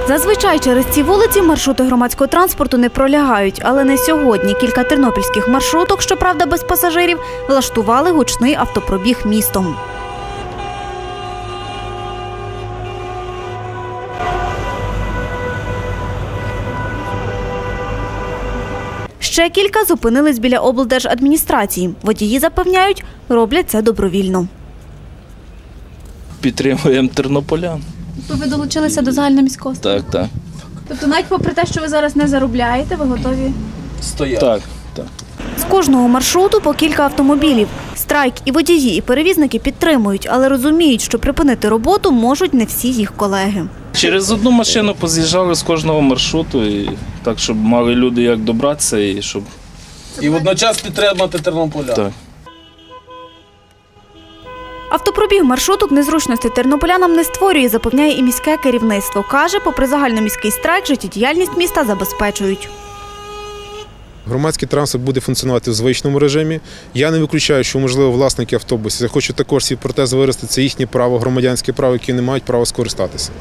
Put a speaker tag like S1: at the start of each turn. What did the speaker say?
S1: Зазвичай через ці вулиці маршрути громадського транспорту не пролягають, але не сьогодні. Кілька тернопільських маршруток, щоправда без пасажирів, влаштували гучний автопробіг містом. Ще кілька зупинились біля облдержадміністрації. Водії запевняють, роблять це добровільно.
S2: Підтримуємо тернополян.
S1: Ви долучилися до загальноміського?
S2: Так, так.
S1: Тобто навіть попри те, що ви зараз не заробляєте, ви готові?
S2: Стояти. Так, так.
S1: З кожного маршруту по кілька автомобілів. Страйк і водії, і перевізники підтримують, але розуміють, що припинити роботу можуть не всі їх колеги.
S2: Через одну машину поз'їжджали з кожного маршруту, і так, щоб мали люди як добратися і щоб…
S3: І водночас підтримати тернополян.
S2: Так.
S1: Автопробіг маршруток незручності тернополянам не створює, запевняє і міське керівництво. Каже, попри загальноміський страйк, життєдіяльність міста забезпечують.
S4: Громадський транспорт буде функціонувати в звичному режимі. Я не виключаю, що, можливо, власники автобусів захочуть також свій протез вирости. Це їхнє право, громадянське право, яке не мають права скористатися.